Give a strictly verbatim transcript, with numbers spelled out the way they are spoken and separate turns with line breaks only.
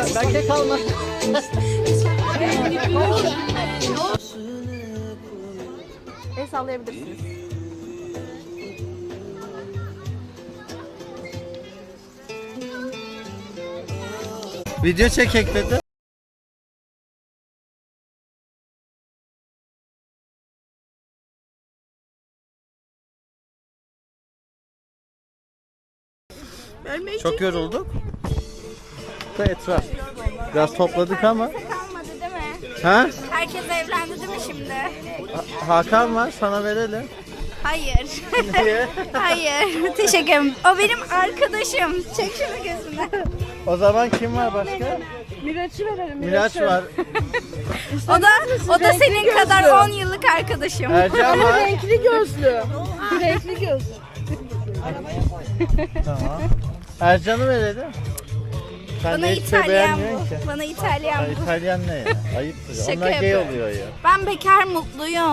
Ben kek alma.
El sallayabilirsiniz.
Video çekek dedi. Çok yorulduk. Da etraf. Biraz topladık ama.
Kalmadı değil mi?
Ha?
Herkes evlendi değil mi şimdi?
Ha- Hakan var, sana verelim.
Hayır.
Niye?
Hayır. Teşekkür ederim. O benim arkadaşım. Çek şunu gözüne.
O zaman kim var başka?
Miraç'ı verelim.
Miraç var.
O da o da senin kadar on yıllık arkadaşım.
Ercan var.
Renkli gözlü. Renkli gözlü.
Tamam. Ercan'ı verelim. Sen
Bana
de hiç de
İtalyan
beğenmiyorsun ki.
bu. Bana İtalyan
Ya
bu.
İtalyan ne ya? Ayıptır.
Şaka
Onlar gay
yapıyorum.
oluyor ya.
Ben bekar mutluyum.